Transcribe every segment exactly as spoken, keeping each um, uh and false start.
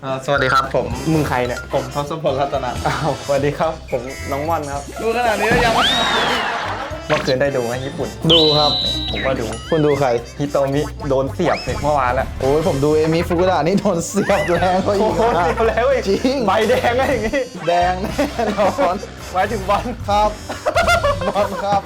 สวัสดีครับผมมึงใครเนี่ยผมทศพลรัตนะอ้าวสวัสดีครับผมน้องม่อนครับดูขนาดนี้แล้วยังไม่เมื่อคืนได้ดูไหมญี่ปุ่นดูครับผมก็ดูคุณดูใครฮิโตมิโดนเสียบเมื่อวานแล้วโอ้ยผมดูเอมิฟุกุดะนี่โดนเสียบแรงกว่าอีโอ้กโหเสียบแล้วจริงใบแดงอะไรอย่างงี้แดงแน่นอนหมายถึงบอลครับบอลครับ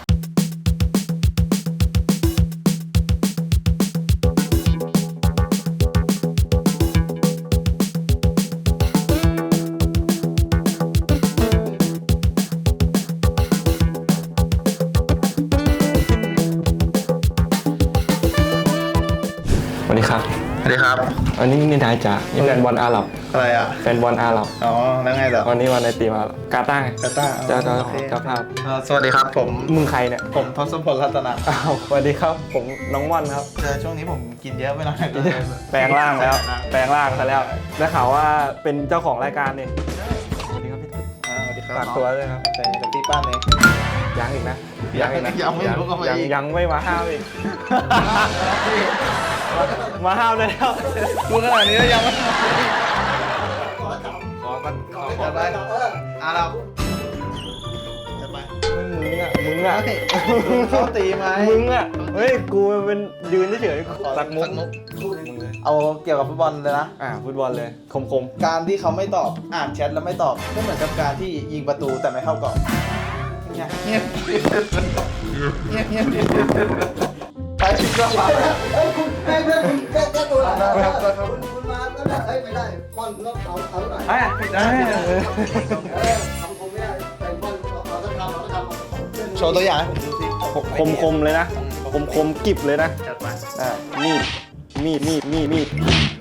สวัสดีครับสวัสดีครับวันนี้นี่นายจ๋านี่แฟนบอลอาหรับอะไรอ่ะแฟนบอลอาหรับอ๋อแล้วไงต่อวันนี้วันในตีมากาตาร์กาตาร์เจ้าเจ้าเจ้าภาพสวัสดีครับผมมึงใครเนี่ยผมทศพลรัตนะอ้าวสวัสดีครับผมน้องม่อนครับเจอช่วงนี้ผมกินเยอะไปหน่อยแปลงร่างแล้วแปลงร่างซะแล้วได้ข่าวว่าเป็นเจ้าของรายการนี่สวัสดีครับพี่ตุ๊กสวัสดีครับฝากตัวด้วยครับแต่เดี๋ยวพี่ป้านเองยังอีกนะยังอีกนะยังไม่รู้ก็ไม่ยังยังไม่มาห้ามอีกมาห้ามเลยแล้วดูขนาดนี้แล้วยังไม่ขอกันขอขอจะไปอ่ะเราจะไปมึงอ่ะมึงอ่ะเขาตีไหมมึงอ่ะเฮ้ยกูเป็นยืนเฉยๆสักมุกเอาเกี่ยวกับฟุตบอลเลยนะอ่าฟุตบอลเลยคมๆการที่เขาไม่ตอบอ่านแชทแล้วไม่ตอบก็เหมือนกับการที่ยิงประตูแต่ไม่เข้ากรอบเงียบเงียบเงียบเงียบไปก็มาเฮ้ยคุณแม่เพื่อนคุณแก้แก้ตัวหน่อยคุณคุณมาแล้วนะเฮ้ยไม่ได้ป้อนต้องเอาเอาหน่อยได้ได้เออทำคงไม่ได้แต่ป้อนเราต้องทำเราต้องทำโชว์ตัวอย่างให้ผมดูสิคมคมเลยนะคมคมกิบเลยนะจัดไปอ่ามีดมีดมีดมีดมีด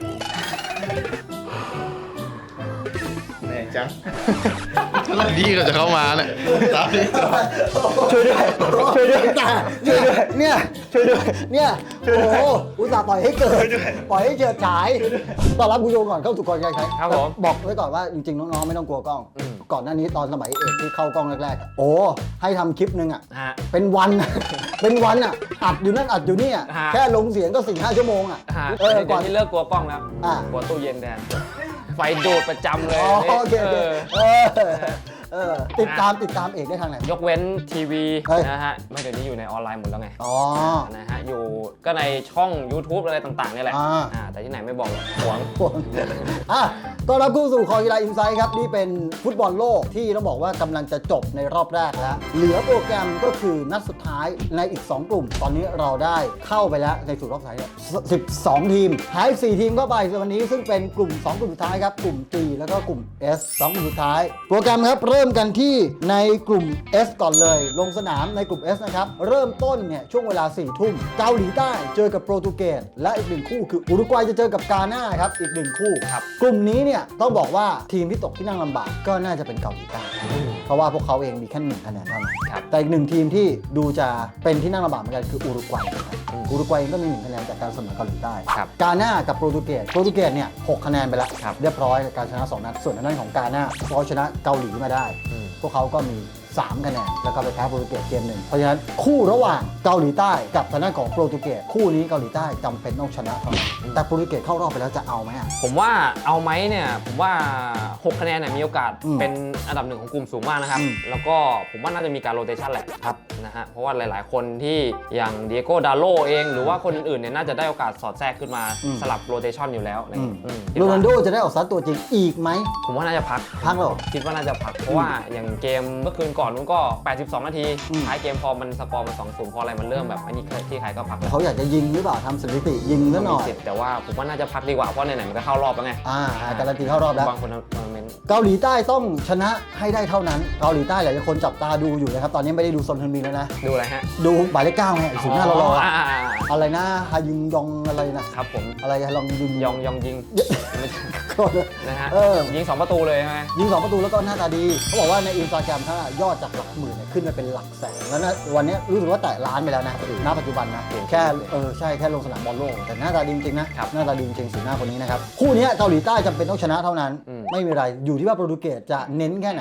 เนี่ยจังแล้วดีก็จะเข้ามาเนี่ยช่วยด้วยช่วยด้วยช่วยด้วยเนี่ยช่วยด้วยเนี่ยโอ้โหอุตส่าห์ปล่อยให้เกิดปล่อยให้เจิดฉายต้อนรับคุณโยก่อนเข้าสู่กองการแข่งครับผมบอกไว้ก่อนว่าจริงๆน้องๆไม่ต้องกลัวกล้องก่อนหน้านี้ตอนสมัยเอกที่เข้ากล้องแรกๆโอ้ให้ทำคลิปนึงอ่ะเป็นวันเป็นวันอ่ะอัดอยู่นั่นอัดอยู่นี่อ่ะแค่ลงเสียงก็สี่ห้าชั่วโมงอ่ะเออก่อนที่เลิกกลัวกล้องแล้วกลัวตู้เย็นแทนไฟดูดประจำเลยโอเคเออติดตามติดตามเอกได้ทางไหนยกเว้นทีวีนะฮะไม่เดี๋ยวนี้อยู่ในออนไลน์หมดแล้วไงอ๋อนะฮะอยู่ก็ในช่อง YouTube อะไรต่างๆนี่แหละอ่าแต่ที่ไหนไม่บอกหรอกหวงหวงอ่ะต้อนรับเข้าสู่คอกีฬาอินไซด์ครับนี่เป็นฟุตบอลโลกที่ต้องบอกว่ากำลังจะจบในรอบแรกแล้วเหลือโปรแกรมก็คือนัดสุดท้ายในอีกสองกลุ่มตอนนี้เราได้เข้าไปแล้วในสู่รอบสุดท้ายสิบสองทีมหายสี่ทีมเข้าไปวันนี้ซึ่งเป็นกลุ่มสองกลุ่มสุดท้ายครับกลุ่ม G แล้วก็กลุ่ม S สองกลุ่มสุดท้ายโปรแกรมครับเริ่มกันที่ในกลุ่ม S ก่อนเลยลงสนามในกลุ่ม S นะครับเริ่มต้นเนี่ยช่วงเวลาสี่ทุ่มเกาหลีใต้เจอกับโปรตุเกสและอีกหนึ่งคู่คืออุรุกวัยจะเจอกับกาหน้าครับอีกหนึ่งคู่ครับกลุ่มนี้เนี่ยต้องบอกว่าทีมที่ตกที่นั่งลำบากก็น่าจะเป็นเกาหลีใต้เพราะว่าพวกเขาเองมีแค่หนึ่งคะแนนเท่านั้นแต่อีกหนึ่งทีมที่ดูจะเป็นที่นั่งลำบากเหมือนกันคืออุรุกวัยอุรุกวัยก็มีหนึ่งคะแนนจากการเสมอเกาหลีใต้กาหน้ากับโปรตุเกสโปรตุเกสเนี่ยหกคะแนนไปแล้วเรียบร้อยการชนะสองนัดส่วนทางด้านของกาหน้าเขาชนะเกาหลีมาได้พวกเขาก็มีสามคะแนนแล้วก็ไปแพ้โปรตุเกสเกมหนึ่งเพราะฉะนั้นคู่ระหว่างเกาหลีใต้กับทางด้านของโปรตุเกสคู่นี้เกาหลีใต้จำเป็นต้องชนะเท่านั้นแต่โปรตุเกสเข้ารอบไปแล้วจะเอาไหมผมว่าเอาไหมเนี่ยผมว่าหกคะแนนเนี่ยมีโอกาสเป็นอันดับหนึ่งของกลุ่มสูงมากนะครับแล้วก็ผมว่าน่าจะมีการโรเตชันแหละครับนะฮะเพราะว่าหลายๆคนที่อย่างเดียโก้ดาโลเองหรือว่าคนอื่นๆเนี่ยน่าจะได้โอกาสสอดแทรกขึ้นมาสลับโรเตชันอยู่แล้วโรนัลโดจะได้ออกซัดตัวจริงอีกไหมผมว่าน่าจะพักพักหรอคิดว่าน่าจะพักเพราะว่าอย่างเกมเมื่อคืนก่อนนู้นก็แปดสิบสองนาทีท้ายเกมพอมันสกอร์มันสองศูนย์พออะไรมันเริ่มแบบอันนี้ที่ใครก็พักเขาอยากจะยิงหรือเปล่าทำสถิติยิงซะหน่อยแต่ว่าผมว่าน่าจะพักดีกว่าเพราะไหนๆมันก็เข้ารอบแล้วไงอ่าการันตีเข้ารอบแล้วบางคนคอมเมนต์เกาหลีใต้ต้องชนะให้ได้เท่านั้นเกาหลีใต้หลายคนจับตาดูอยู่นะครับตอนนี้ไม่ได้ดูซอนเทนมินแล้วนะดูอะไรฮะดูหมายเลขเก้าไงศูนย์หน้ารออะไรนะฮายุงยองอะไรนะครับผมอะไรฮาลองยุงยองยองยิงนะฮะยิงสองประตูเลยใช่ไหมยิงสองประตูแล้วก็หน้าตาดีเขาบอกว่าในอินสตาแกรมถ้ายอดจากหลักหมื่นขึ้นมาเป็นหลักแสนแล้วนะวันนี้รู้สึกว่าแตะล้านไปแล้วนะณปัจจุบันนะแค่เออใช่แค่ลงสนามบอลโลกแต่หน้าตาดีจริงๆนะหน้าตาดีจริงสีหน้าคนนี้นะครับคู่นี้เกาหลีใต้จำเป็นต้องชนะเท่านั้นไม่มีอะไรอยู่ที่ว่าโปรตุเกสจะเน้นแค่ไหน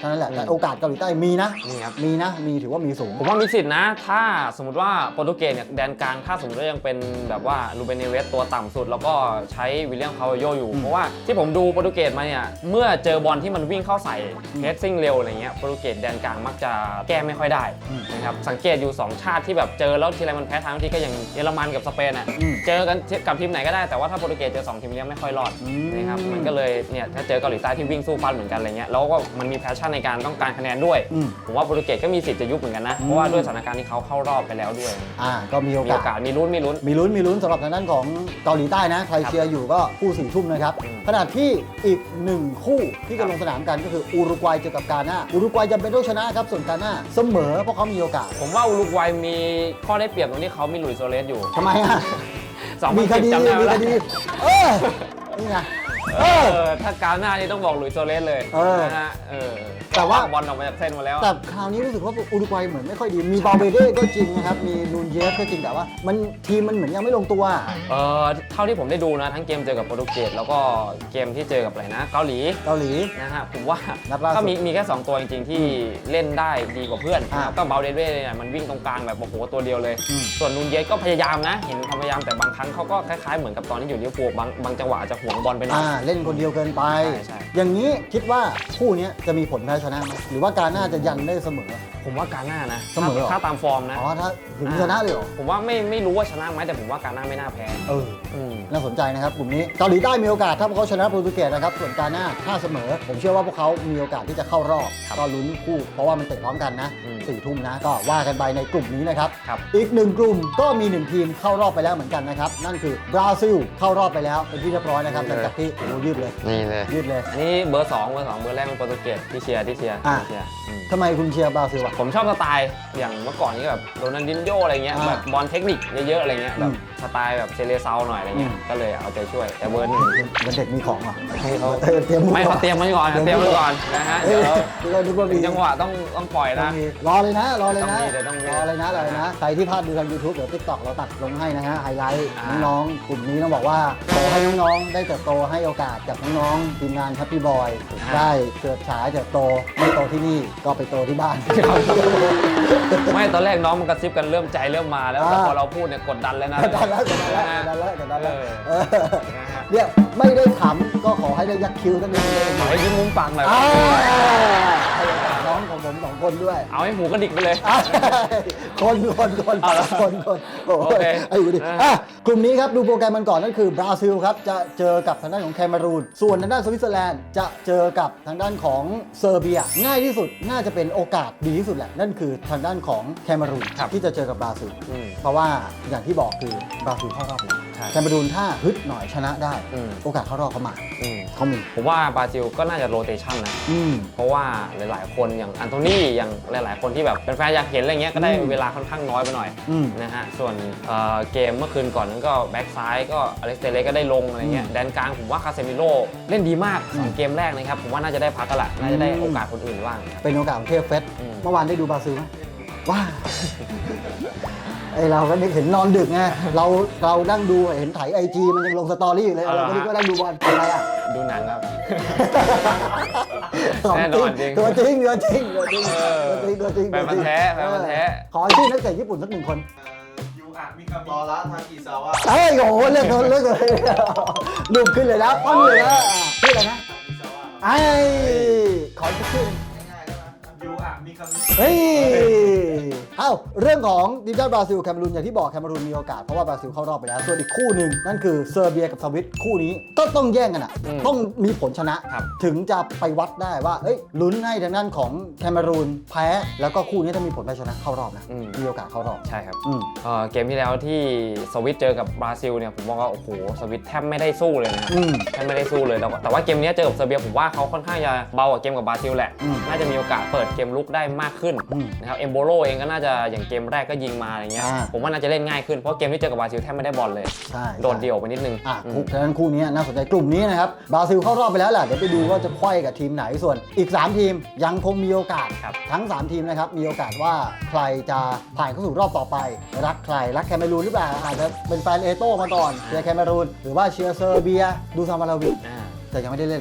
ท่านั้นแหละอืมแต่โอกาสเกาหลีใต้มีนะนี่ครับมีนะมีถือว่ามีสูงผมว่ามีสิทธินะ ถ้าสมมติว่าโปรตุเกสเนี่ยแดนกลางถ้าสมมติว่ายังเป็นแบบว่าลูเบเนเวสตัวต่ำสุด แล้วก็ใช้วิลเลียมคาร์วาโยอยู่อืมเพราะว่าที่ผมดูโปรตุเกสมาเนี่ยเมื่อเจอบอลที่มันวิ่งเข้าใส่เพสซิ่งเร็วอะไรเงี้ยโปรตุเกสแดนกลางมักจะแก้ไม่ค่อยได้อืมนะครับสังเกตอยู่สองชาติที่แบบเจอแล้วทีไรมันแพ้ทางที่ก็อย่างเยอรมันกับสเปนอ่ะอืมเจอกันกับทีมไหนก็ได้แต่ว่าถ้าโปรตุเกสเจอสองทีมเนี้ยไม่ค่อยรอดอืมนะครับมันก็เลยเนี่ยถ้าเจอเกาหลีใต้ที่วิ่งสู้ฟันเหมือนกันอะไรเงี้ยแล้วก็มันมีแพชชั่นในการต้องการคะแนนด้วยอืมผมว่าโปรตุเกสก็มีสิทธิ์จะยุบเหมือนกันนะอืมเพราะว่าด้วยสถานการณ์ที่เขาเข้ารอบไปแล้วด้วยอ่าก็มีโอมีกาโอสกาสมีลุ้นมีลุ้นมีลุ้นมีลุ้นสำหรับทางด้านของเกาหลีใต้นะ ใครเชียร์อยู่ก็คู่สี่ทุ่มนะครับอืมขณะที่อีกหนึ่งคู่ที่จะลงสนามกันก็คืออุรุกวัยเจอกับกาน่าอุรุกวัยจำเป็นต้องชนะครับส่วนกาน่าเสมอเพราะเขามีโอกาสผมว่าอุรุกวัยมีข้อได้เปรียบตรงที่เขามีหลุยส์โซเลสอยู่ทำไมอ่ะสองพัมีนคสิบดีจำได้ไหมมีคล่ะดีเออนี่ไงเออถ้ากาหน้านี่ต้องบอกหลุยส์โซเลสเลยเออนะฮะเออแต่ว่าบอลออกมาจากเส้นมาแล้วแต่คราวนี้รู้สึกว่าอุรุกวัยเหมือนไม่ค่อยดีมีบาเบเด้ก็จริงนะครับมีนูนเยสก็จริงแต่ว่ามันทีมมันเหมือนยังไม่ลงตัวเออเท่าที่ผมได้ดูนะทั้งเกมเจอกับโปรตุเกสแล้วก็เกมที่เจอกับอะไรนะเกาหลีเกาหลีนะฮะผมว่านัดล่าสุดก็มีมีแค่สองตัวจริงๆที่เล่นได้ดีกว่าเพื่อนอ่านะครับก็เบาเดเว่เนี่ยมันวิ่งตรงกลางแบบโอ้โหตัวเดียวเลยอืมส่วนนูนเยสก็พยายามนะ เห็นความพยายามแต่บางครั้งเขาก็คล้ายๆเหมือนกับตอนที่อยู่ลิเวอร์พูลบางบางจังหวะอาจจะห่วงบอลไปหน่อยอ่าเล่นคนเดียวเกินไปใช่ใช่อย่างนี้คิดว่าคู่นี้จะมีผลแพ้ชนะไหมหรือว่าการน่าจะยันได้เสมอผมว่าการหน้านะเสมอเหรอถ้าตามฟอร์มนะอ๋อถ้าถึงชนะเลยเหรอผมว่าไม่ไม่รู้ว่าชนะไหมแต่ผมว่าการหน้าไม่น่าแพ้เอออืมน่าสนใจนะครับกลุ่มนี้เกาหลีใต้มีโอกาสถ้าพวกเขาชนะโปรตุเกสนะครับส่วนกาน่าถ้าเสมอ ผมเชื่อว่าพวกเขามีโอกาสที่จะเข้ารอบก็ลุ้นคู่ เพราะว่ามันเตะพร้อมกันนะอืมสี่ทุ่มนะก็ว่ากันไปในกลุ่มนี้นะครับครับอีกหนึ่งกลุ่มก็มีหนึ่งทีมเข้ารอบไปแล้วเหมือนกันนะครับนั่นคือบราซิลเข้ารอบไปแล้วเป็นที่เรียบร้อยนะครับหลังจากที่โอ้โหยืดเลยนี่เลยยืดเลยอันนี้เบอร์สองเบอร์สองเบอร์แรกเป็นโปรตุเกสที่เชียร์ที่เชียร์อ่ะที่เชียร์อืมทำไมคุณเชียร์บราซิลอ่ะผมชอบสไตล์อย่างเมื่อก่อนนี้แบบโรนัลดินโญอะไรเงี้ยอ่าแบบบอลเทคนิคเยอะๆอะไรเงี้ยอืแบมบสไตล์แบบเซเลเซาหน่อยอะไรเงี้ยอืมก็เลยเอาใจช่วยแต่เบอร์หนึ่งเป็นเด็กมีของเหรอให้เขาเออเตรียมไม่เขาเตรียมไว้ก่อนเตรียมไว้ก่อนนะฮะเอ้เดี๋ยยวเราดูว่าถึมีงจังหวะต้องต้องปล่อยต้อนะงมีรอเลยนะ รอเลยนะต้องมีเดี๋ยวต้องมีรอเลยนะรอเลยนะ ใครที่พลาดดูทาง YouTube เดี๋ยว TikTok เราตัดลงให้นะฮะ ไฮไลท์อ่าน้องๆ กลุ่มนี้ต้องบอกว่าขอให้น้องๆ ได้เติบโตให้โอกาสกับน้องๆ ทีมงาน Happy Boy ได้เกิดฉายเติบโต ไม่โตที่นี่ก็ไปโตที่บ้านไม่ตอนแรกน้องมันกระซิบกันเริ่มใจเริ่มมาแล้วแต่อ่าพอเราพูดเนี่ยกดดันเลยนะกดดันแล้วกดดันแล้วกดดันแล้วกดดันแล้วเออเออนะฮะเนี่ยไม่ได้ขำก็ขอให้ได้ยักคิ้วสักนิดนึงขอให้ยิ้มมุมปากหน่อยอ่าให้โอกาสน้องของผมสองคนด้วยเอาให้หมูกระดิกไปเลยอ่ะคนคนคนเอาละคนคนโอ้โอเคยไอ้อยู่ดิอ่ะอ่ะกลุ่มนี้ครับดูโปรแกรมมันก่อนนั่นคือบราซิลครับจะเจอกับทางด้านของแคนารูนส่วนทางด้านสวิตเซอร์แลนด์จะเจอกับทางด้านของเซอร์เบีย ง่ายที่สุดน่าจะเป็นโอกาสดีที่สุดแหละนั่นคือทางด้านของแคนารูนครับที่จะเจอกับบราซิลอืมเพราะว่าอย่างที่บอกคือบราซิลเข้ารอบแล้วใช่แคนารูนถ้าฮึดหน่อยชนะได้อืมโอกาสเข้ารอบเขามาอืมเขามีผมว่าบราซิลก็น่าจะโรเตชันนะอืมเพราะว่าหลายๆ คนอย่างอันโทนี่อย่างหลายๆ คนที่แบบเป็นแฟนอยากเห็นอะไรเงี้ยก็ได้อืมเวลาค่อนข้างน้อยไปหน่อยอืมนะฮะส่วนเอ่อเกมเมื่อคืนก่อนนั้นก็แบ็กซ้ายก็อเล็กซ์เตเลสก็ได้ลงอะไรเงี้ยอืมแดนกลางผมว่าคาเซมิโร่เล่นดีมากสองอืมเกมแรกนะครับผมว่าน่าจะได้พักกันละน่าจะได้อืมโอกาสคนอื่นบ้างครับเป็นโอกาสของเทพเฟสอืมเมื่อวานได้ดูบราซิลไหมว้า ไอเราก็นึกเห็นนอนดึกไงเราเรานั่งดูเห็นถ่ายไอจีมันยังลงสตอรี่อยู่เลยเอาเหรเราอก็นึกว่านั่งดูบอลอะไรอ่ะดูหนังครับของแน่นอนจริงตัวจริงตัวจริงตัวจริงเออตัวจริงตัวจริงแฟนพันธุ์แท้แฟนพันธุ์แท้ขอชื่อนักเตะญี่ปุ่นสักหนึ่งคนยูอะมิคามิตอระทากิซาวะเอ้ยโอ้โหเลือกคนเลือกเลยรูปขึ้นเลยนะปั้นเลยนะชื่ออะไรนะทากิซาวะไอ้ขอสักชื่อหนึ่งง่ายๆได้ไหมยูอะมิคามิเฮ้ย เอ้า เรื่องของทีมชาติบราซิลแคนารูนอย่างที่บอกแคนารูนมีโอกาสเพราะว่าบราซิลเข้ารอบไปแล้ว ส่วนอีกคู่หนึ่งนั่นคือเซอร์เบียกับสวิตคู่นี้ก็ต้องแย่งกันอ่ะอืมต้องมีผลชนะครับถึงจะไปวัดได้ว่าเอ้ยลุ้นให้ทางด้านของแคนารูนแพ้ แล้วก็คู่นี้ถ้ามีผลแพ้ชนะเข้ารอบนะอืมมีโอกาสเข้ารอบใช่ครับอืมเอ่อเกมที่แล้วที่สวิตเจอกับบราซิลเนี่ยผมมองว่าโอ้โหสวิตแทบไม่ได้สู้เลยนะครับอืมแทบไม่ได้สู้เลยแต่ว่าแต่ว่าเกมนี้เจอกับเซอร์เบียผมว่าเขาค่อนข้างจะเบากว่าเกมกับบราซิลแหละอืมน่าจะมีโอกาสเปิดเกมลุกได้มากขึ้นอืมนะครับเอมโบโลเองก็น่าจะอย่างเกมแรกก็ยิงมาอะไรเงี้ยอ่าผมว่าน่าจะเล่นง่ายขึ้นเพราะเกมที่เจอกับบราซิลแทบไม่ได้บอลเลยใช่โดดเดี่ยวไปนิดนึงอ่ะอืมคู่ฉะนั้นคู่นี้น่าสนใจกลุ่มนี้นะครับบราซิลเข้ารอบไปแล้วแหละเดี๋ยวไปดูว่าจะไขว้กับทีมไหนส่วนอีก สาม ทีมยังคงมีโอกาสครับทั้ง สาม ทีมนะครับมีโอกาสว่าใครจะผ่านเข้าสู่รอบต่อไป รักใครรักแคนารูนหรือเปล่าอาจจะเป็นแฟนเอโต้มาก่อนเชียร์แคนารูนหรือว่าเชียร์เซอร์เบียดูซามาลาวิอ่าแต่ยังไม่ได้เล่นนะใช่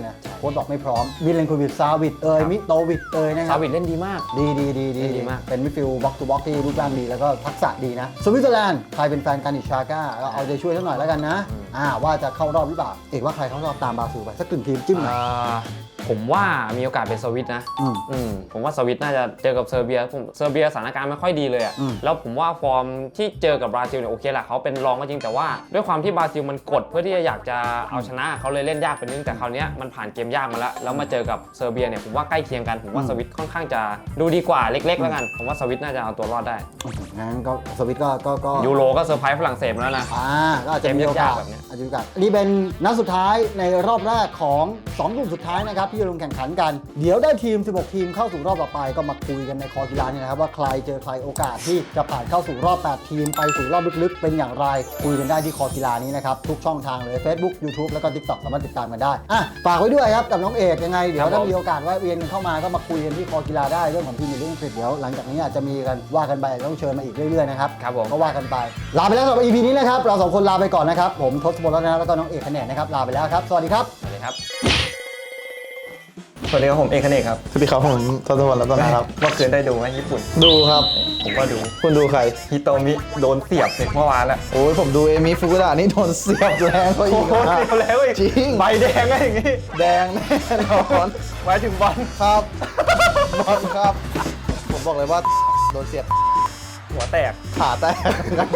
ค้ชบอกไม่พร้อมมิเลนโควิชซาวิดเอยมิโตวิชเอยนะคซารับวิดเล่นดีมากดีดีดีดีดีมากเป็นมิดฟิลด์บ็อกซ์ทูบ็อกซ์ที่รูปร่างดีแล้วก็ทักษะดีนะสวิตเซอร์แลนด์ใครเป็นแฟนการิชาก้าก็เอาใจช่วยสักหน่อยแล้วกันนะอ่าว่าจะเข้ารอบหรือเปล่าเอกว่าใครเข้ารอบตามบราซิลไปสักกึ่งทีมจิ้มหน่อยอ่าผมว่ามีโอกาสเป็นสวิตนะอืมอืมผมว่าสวิตน่าจะเจอกับเซอร์เบียผมเซอร์เบียสถานการณ์ไม่ค่อยดีเลยอะอืมแล้วผมว่าฟอร์มที่เจอกับบราซิลเนี่ยโอเคแหละเขาเป็นรองก็จริงแต่ว่าด้วยความที่บราซิลมันกดเพื่อที่จะอยากจะเอาชนะเขาเลยเล่นยากไปนิดนึงแต่คราวเนี้ยมันผ่านเกมยากมาแล้วแล้วมาเจอกับเซอร์เบียเนี่ยผมว่าใกล้เคียงกันผมว่าสวิตค่อนข้างจะดูดีกว่าเล็กๆ แล้วกันผมว่าสวิตน่าจะเอาตัวรอดได้งั้นก็สวิตก็ก็ก็ยูโรก็เซอร์ไพรส์ฝรั่งเศสมาแล้วนะอ่าก็อาจจะมีโอกาสเกมยากๆแบบเนี้ยอาจจะมีโอกาสนี่เป็นนัดสุดท้ายในรอบแรกของสองกลุ่มสุดท้ายนะครับที่จะลงแข่งขันกันเดี๋ยวได้ทีมสิบหกทีมเข้าสู่รอบต่อไปก็มาคุยกันในคอกีฬาเนี่ยนะครับว่าใครเจอใครโอกาสที่จะผ่านเข้าสู่รอบแปดทีมไปสู่รอบลึกๆเป็นอย่างไรคุยกันได้ที่คอกีฬานี้นะครับทุกช่องทางเลย Facebook YouTube แล้วก็ TikTok สามารถติดตามกันได้อ่ะฝากไว้ด้วยครับกับน้องเอกยังไงเดี๋ยวถ้ามีโอกาสแวะเวียนกันเข้ามาก็มาคุยกันที่คอกีฬาได้เรื่องของทีมในเรื่องอังกฤษเดี๋ยวหลังจากนี้อาจจะมีกันว่ากันไปต้องเชิญมาอีกเรื่อยๆนะครับครับผมก็ว่ากันไปลาไปแล้วสำหรับ อี พี นี้นะครับเราสองคนลาไปก่อนนะครับผมทศพลรัตนะแล้วก็น้องเอกคะแนนนะครับลาไปแล้วครับสวัสดีครับสวัสดีครับสวัสดีครับผมเอกเนกครับสวัสดีครับผมทศพลรัตนะครับเมื่อคืนได้ดูไหมญี่ปุ่นดูครับผมก็ดูคุณดูใครฮิโตมิโดนเสียบเสร็จเมื่อวานแล้วโอ้ยผมดูเอมิฟุกุดะนี่โดนเสียบแรงก็อีโอ้กโหนะเสียบแล้วอีกจริงใบแดงก็อย่างงี้แดงแน่นอนหมายถึงบอลครับบอลครับ ผมบอกเลยว่าโดนเสียบหัวแตกขาแตก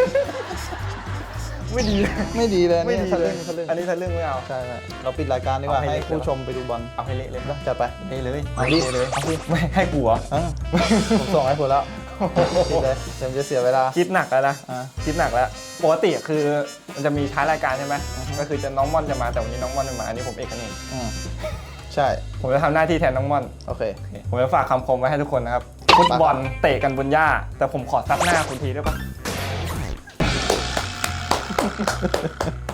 ไม่ดีเลยไม่ดีเลยไม่นี่ดีทะเลลึ่ยงทะลึ่งอันนี้ทะลึ่งไม่เอาใช่ไหมเราปิดรายการดีกว่าเอาให้ให้เละผู้ชมไปดูบอลเอาให้เละเลยจัดไปเละเลยเอาดิเละเลยเอาดิไม่ให้กูเหรออ่ะผมส่งให้คุณแล้วปิดเลยเดี๋ยวมันจะเสียเวลาคิดหนักแล้วนะอ่าคิดหนักแล้วปกติคือมันจะมีท้ายรายการใช่ไหมก็คือจะน้องม่อนจะมาแต่วันนี้น้องม่อนไม่มาอันนี้ผมเอกเนกอืมใช่ผมจะทำหน้าที่แทนน้องม่อนโอเคผมจะฝากคำคมไว้ให้ทุกคนนะครับฟุตบอลเตะกันบนหญ้า แต่ผมขอซัดหน้าคุณทีได้ปะ